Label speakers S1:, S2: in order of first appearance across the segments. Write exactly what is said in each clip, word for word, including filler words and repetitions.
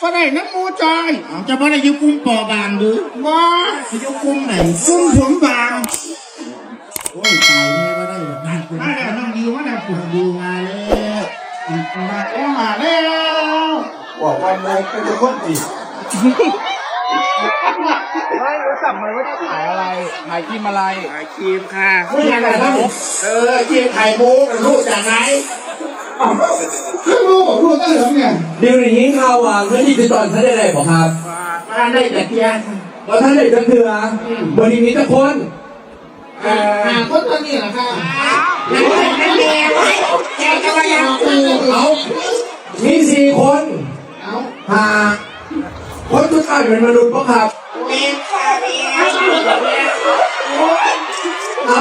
S1: ก็ได้น้ำมูจอย
S2: จะบ่ได้อยู่กลุ่มปอบางหรือ
S1: บ่
S2: อยู่กลุ่มไหน
S1: ซุ่มผมบาง
S2: โอ้ยตายแน่ว่าได้แบบนั้น
S1: มาแล้วน้องดิวมาแล้ว
S2: คุณดีมาแล้ว
S1: มาแล้วมาแล้ว
S2: บอกว่าไม่ก็จะคนอีก
S3: ไม่รู้จักไหมว่าจะขายอะไรขายครีมอะไร
S1: ขายครีมค่ะ
S2: ไม่อยากได้แล้วเออที่ไข่มุกรู้จากไหน
S1: เพิ่งรู้บอกรู้ตั้งเหลืองเนี่ย
S4: เดี๋ยวนี้ข่าวว่าเพื่อนที่ติดต่อท่านได้ไรบอกครับ
S2: มาได้แต่เพียง
S4: ว่าท่านได้จังเถื่อวันนี้มีแต่คน
S2: เอ่อ
S1: หาคนตัวนี้เหรอคะ
S2: นั่นแหละนั่นแหละแกจะมายังกู
S4: เอามีสี่คน
S1: เอา
S4: หาคนทุกท่านเป็นมนุษย์ปะครับ
S2: เมียค่ะเมีย
S4: เอา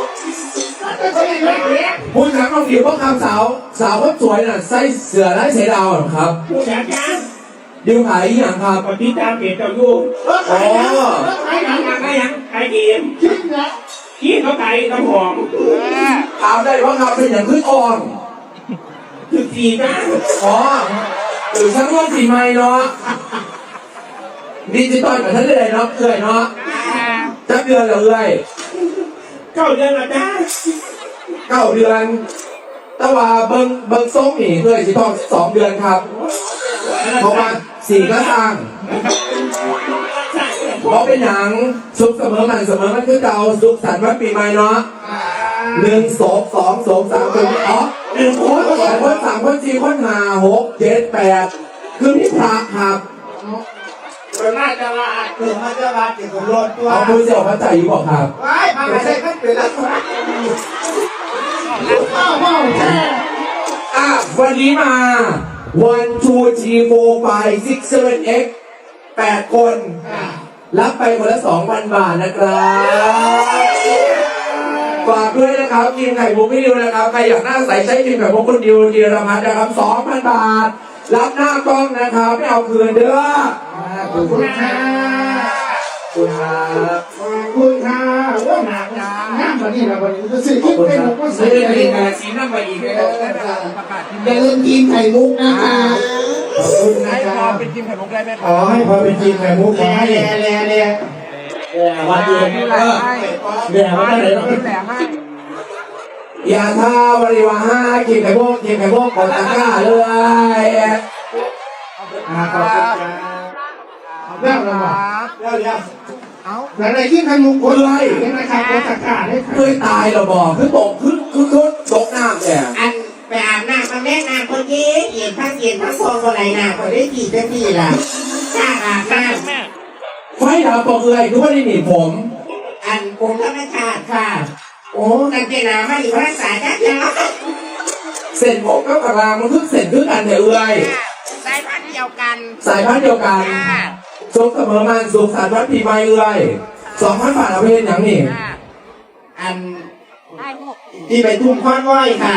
S4: คุณถามน้องดิวว่าคำสาวสาวคนสวยน่ะใส่เสื้อลายเสือดาวเหรอครับ
S2: ผู้จัดการ
S4: ดิวขายอหย่างครับ
S2: ปฏิตามเพจเจ้าอยู่
S4: อ๋อ
S2: ขายหนังขายหนังขายกีม
S1: จริงนะ
S2: กีมเขาขายน้ำหอม
S4: ถามได้ว่าครับเป็นอย่างขึ้นอ่อน
S2: ถึงสี่นะ
S4: อ๋อหรือชั้นว่าสีไม้เนาะดิจิตอลกับท่านเลยเนาะเอื่อยเนาะจักเดือนเหรอเอื่อย
S2: เก้าเดือนละจ้า
S4: เก้าเดือนแต่ว่าเบิ้งเบิ้งส้มนี่เอื่อยสิต้องสองเดือนครับเพราะว่าสี่ก็สร้างเพราะเป็นหนังสุขเสมอมันเสมอมันคือเก่าสุขสันต์วันปีใหม่เนาะหนึ่งศพสองศพสามคนอ๋อหนึ่งคนสองคนสามคนสี่คนห้าหกเจ็ดแปดคือมีพระครับ
S2: เป็นน่าจะลาดคือมันจะลาดติดกับรถตัว
S4: เอาคุณเสี่ยวพระใจอยู่บอกครับ
S2: ไว้พาไปใช้ขั้นเป็นละตัว
S1: ว้าวว้าวแช่
S4: อ่ะวันนี้มา one two three four five six seven eight แปดคน รับไปคนละสองพันบาทนะครับฝากด้วยนะครับทีมไข่มุกพี่ดิวนะครับใครอยากหน้าใสใช้ทีมไข่มุกคุณดิวธีรพัฒน์นะครับสองพันบาท รับหน้ากล้องนะครับไม่เอาคืนเด้อ
S1: ขอบคุณค่ะ
S4: คุณครับ
S1: ขอบคุณค่ะว่าหนักงามกว่านี้นะวันนี้จะซื้อคิดเป็นหกก็ซื้อ
S4: เรื่
S1: ได้
S4: อง
S1: เล
S4: นี้
S1: ย
S4: การซีนั่งไปอีกเลย
S1: อย่าลืมทีมไข่มุกนะคะ
S2: ขอบคุณนะ
S3: ให้
S2: ค
S3: พอ
S2: รับ
S3: เป็นครีมไข่มุกได้ไหมค
S2: ข
S3: รั
S2: อบ ให้พอเป็นจริงไข่มุกขอให้
S1: แล่แล่แล่
S2: วันดี
S3: ดู
S2: เอ
S3: แล
S2: อ
S3: ให้
S2: เดี๋ยวไม่ได้
S3: ดูแลให้
S4: อย่าท่าบริวารห้ากินไข่มุกกินไข่มุกกดตะกร้าเลย
S2: ขอบคุณครับ
S1: เรื่องอะไรวะ
S2: เดี๋ยวเดี๋ยว
S3: เอา
S1: อะไรที่ไข่มุกคนไรเป็นราคาตัวตะการได้
S4: เคยตายเหรอบอกคือตกคือคือคือตกน้ำเนี่ย
S2: อันไปอาบน้ำมาแม่น้ำคนเย็นเย็นพักเย็นพักฟองคนไหนน้ำคนได้กี่จะกี่ล่ะจ้าอาบน้ำ
S4: ไฟดับปอกเอื่อยคือว่าได้หนีผม
S2: อันผมธรรมชาติค่ะ โอ้กันเจนาไม่อยู่รักษาจ้าจ้า
S4: เส้นผมกับกระรางมันคือเส้นคือกันแต่เอื่อย
S2: สายพันธุ์เดียวกัน
S4: สายพันธุ์เดียวกันทรงเสมอมันสุขสันต์วันปีใหม่เอื่อยสองพันบาทเอาไปเห็นอย่างนี้
S2: อันที่ไปทุ่มค้อนว้อยค่ะ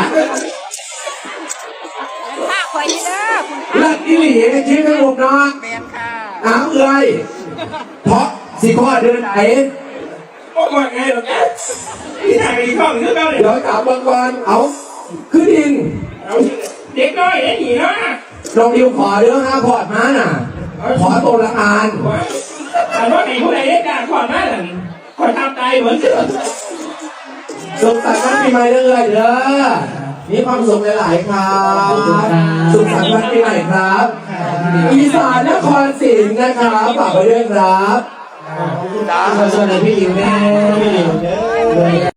S5: ค่าคอยนี่เด้อคุณ
S4: เลิกอีหลีคิดไม่หมดเนาะ
S5: แมนค่ะ
S4: น้ำเอื่อยเพราะสิข้อเดินไหน
S2: โอ้ยไงหรอกจ้าที่ไหนไปท่องเนื้อเก้าเนี่ย
S4: เดี๋ยวกลับบางวันเอาคือดิน
S2: เด็กน้อยเด็กหนีเนาะ
S4: ลองดิวขอเรื่องห้าพอร์ตมาน่ะ ขอตัวละอาน
S2: อันว่าไหนผู้ใดได้การขอหน้าหลังขอทำตายเหมือนเดิม
S4: สุขสันต์วันปีใหม่เด้อเด้อมีความสุขหลายๆครับสุขสันต์วันปีใหม่ครับ อีสานนครศรีนะครับฝากไปด้วยครับ
S2: ขอบคุณนะสวัสดีพี่อิ๋วแม่พี่อิ๋วเด้อ